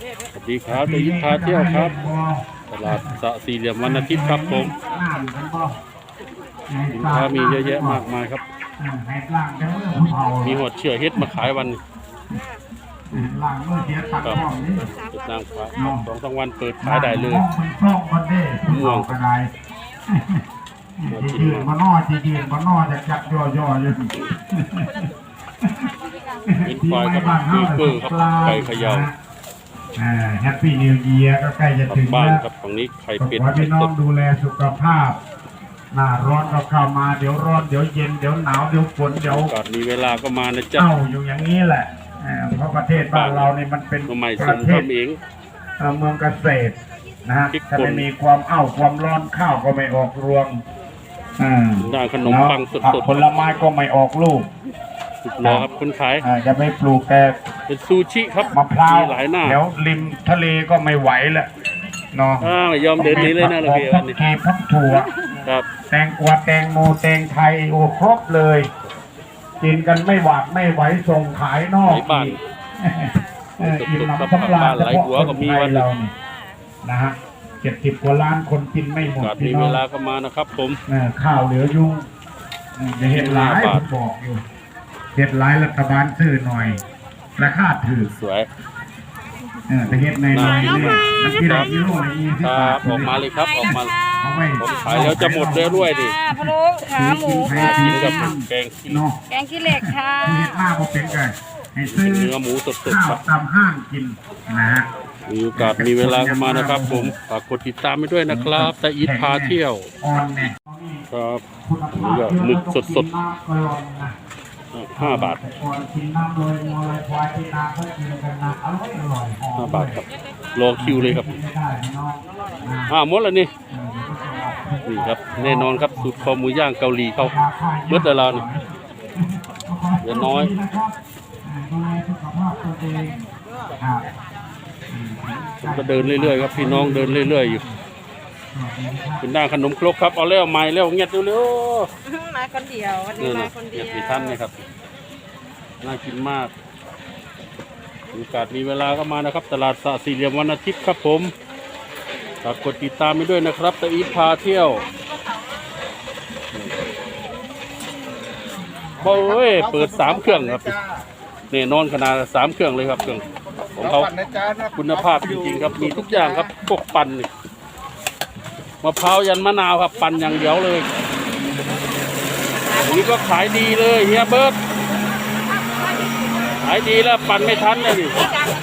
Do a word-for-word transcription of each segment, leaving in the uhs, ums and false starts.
สวัสดีครับตะยินพาเที่ยวครับตลาดสะสี่เหลี่ยมวันอาทิตย์ครับผมสินค้ามีเยอะแยะมากมายครับมีหอดเชื่อเฮ็ดมาขายวันครับเป็นนางฟ้าสองสามวันเปิดขายได้เลยม่วงมากินยืนมามา นอจียืนมานอจะจักย่อย่ออยู่เป็นควายครับคือเกอร์ครับไก่เขย่าแฮปปี้นิวเยียร์ก็ใกล้จะถึงบ้านแล้วครับฝั่งนี้ไข่ขอเป็ดให้ไข่พี่น้อสงดดูแลสุขภาพหน้าร้อนก็เข้ามาเดี๋ยวร้อนเดี๋ยวเย็นเดี๋ยวหนาวเดี๋ยวฝนเดี๋ยวก่อนมีเวลาก็มานะจ๊ะเอ้าอยู่อย่างนี้แหละเอ่อเพราะประเทศบ้านเรานี่มันเป็นตัวใหม่ปส่ระงเทศทำเองเอ่อเมืองเกษตรนะฮะพริกป่นถ้าไม่มีความเอ้าความร้อนข้าวก็ไม่ออกรวงอ่าได้ขนมปังสดผักผลไม้ก็ไม่ออกลูกๆสุดรอครับคนขายอ่าจะไม่ปลูกแต่เป็นซูชิครับมะพร้าวมีหลายหน้าแถวริมทะเลก็ไม่ไหวแล้วเนาะอ่าไม่ยอมเดินหนี้เลยนะเราเพียพัวันกนี้เกพักถั่วครับแตงกวาแตงโมแตงไทยโอ้ครบเลย กินกันไม่หวาดไม่ไหวส่งขายนอกไหนบ้านอีกเอออิ่มน้ำสำราญบ้านไหลหัวก็มีวันเรานี่นะฮะเจ็ดสิบกว่าล้านคนกินไม่หมดกาดพี่มีน้เวองลาก็มานะครับผมเออข้าวเหลือยุ่งเออจะเห็นหลายห้าบาทผมบอกอยู่เห็ดหลายรัฐบาลซื้อหน่อยราคาถือสวยเออแต่เห็ดในในเนี่ยมันกิโลกิโลละยี่สิคบรับาบทออกมาเลยครับออกมาเอาไว้ผมขายแล้วจะหมดแล้วด้วยดิค่ะพะโล้ขาหมูค่ะกินกับแกงขี้เนาะแกงขี้เหล็กค่ะเห็ดมากพอเป็นไงให้ซื้อเนื้อหมูสดข้าๆคว รับตามห้างกินนะฮะมีโอกาสมีเวลาก็มานะครับผมฝากกดติดตามไปด้วยนะครับแต่อีทพาเที่ยวออนเนี่ยครับคุณภาพนี่ก็หมึกสดๆน้ำก็ร้อนนะห้าบาทแต่ก่อนกินน้ำโดยมอลควายที่นาเขากินกันนะอร่อยอร่อยหอมห้าบาทครับรอคิวเลยครับไม่ได้พี่น้องนะอ่าหมดแล้วนี่เออเดี๋ยวก็จะออกนี่ครับแน่นอนครับสูตรคอหมูย่างเกาหลีเขาเบิดแต่เรานี่ เดี๋ยวน้อยดูแลสุขภาพตัวเองครับผมก็เดินเรื่อยๆครับพี่น้องเดินเรื่อยๆอยู่เป็นด้านขนมครกครับเอาแล้วใหม่แล้วเงียบเร็วมาคนเดียววันๆนี้นี่มานะคนเดีเงียยว บมีท่านนะครับน่ากินมากมีโอกาสมีเวลาก็มานะครับ ตลาดสะสี่เหลี่ยมวันอาทิตย์ครับผมฝากกดติดตามไปด้วยนะครับตะอีทพาเที่ยวโอ้ยเปิดสามเครื่องครับแน่นอนขนาดสามเครื่องเลยครับเครื่องของเขาคุณภาพจริงๆครับมีทุกอย่างครับพวกปั่นนี่มะพร้าวยันมะนาวครับปั่นอย่างเดียวเลยอันนี้ก็ขายดีเลยเฮียเบิร์ตขายดีแล้วปั่นไม่ทันเลยดิ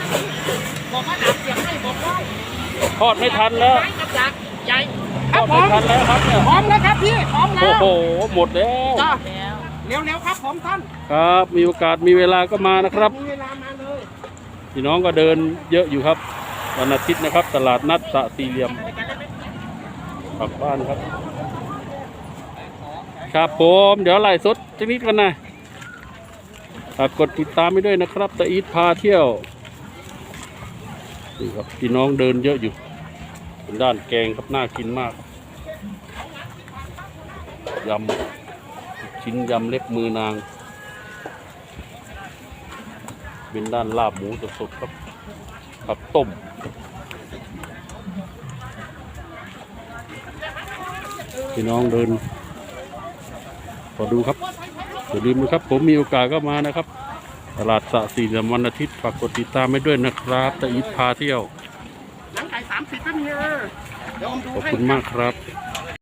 ทอดไม่ทันแล้วใหญ่ทอดไม่ทันแล้วครับเนี่ยพร้อมแล้วครับพี่พร้อมแล้โอ้วโหหมดแล้วจ้าเร็วๆครับผมท่านครับมีโอกาสมีเวลาก็มานะครับมีเวลามาเลยพี่น้องก็เดินเยอะอยู่ครับวันอาทิตย์นะครับ ตลาดนัดสะสี่เหลี่ยมกลับบ้านครับ ครับผมเดี๋ยวไล่สดจักนิดกันนะฝากกดติดตามไปด้วยนะครับตะอีทพาเที่ยวนี่ครับพี่น้องเดินเยอะอยู่เป็นด้านแกงครับน่ากินมากยำชิ้นยำเล็บมือนางเป็นด้านลาบหมูสดๆครับผักต้มพี่น้องเดินขอดูครับอย่าลืมนะครับผมมีโอกาสก็มานะครับตลาดสะสี่เหลี่ยมวันอาทิตย์ฝากกดติดตามไปด้วยนะครับตะอีทพาเที่ยวหนังไก่สามสิบก็มีเออเดี๋ยวผมดูขอบให้คุณมากครับค